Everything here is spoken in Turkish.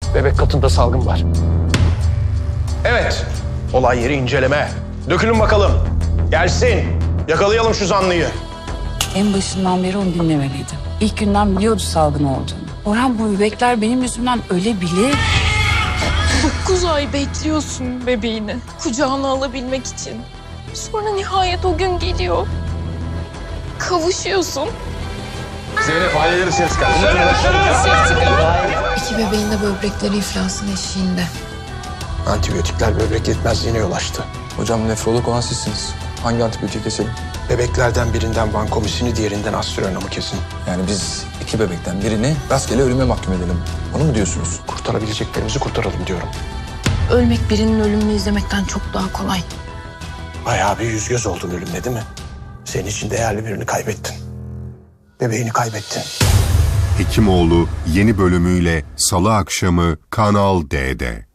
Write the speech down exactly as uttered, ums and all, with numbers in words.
Bebek katında salgın var. Evet, olay yeri inceleme. Dökülün bakalım. Gelsin. Yakalayalım şu zanlıyı. En başından beri onu dinlemeliydim. İlk günden biliyordu salgın olduğunu. Orhan, bu bebekler benim yüzümden ölebilir. Dokuz ay bekliyorsun bebeğini kucağına alabilmek için. Sonra nihayet o gün geliyor. Kavuşuyorsun. Zeynep aileleri ses kaldı. İki bebeğin de böbrekleri iflasın eşiğinde. Antibiyotikler böbrek yetmezliğine yol açtı. Hocam nefrolog olan sizsiniz. Hangi antibiyotik keselim? Bebeklerden birinden vankomisini, diğerinden aspironomu kesin. Yani biz iki bebekten birini rastgele ölüme mahkum edelim. Onu mu diyorsunuz? Kurtarabileceklerimizi kurtaralım diyorum. Ölmek birinin ölümünü izlemekten çok daha kolay. Bayağı bir yüz göz oldun ölümle değil mi? Senin için değerli birini kaybettin. Bebeğini kaybettin. Hekimoğlu yeni bölümüyle Salı akşamı Kanal D'de.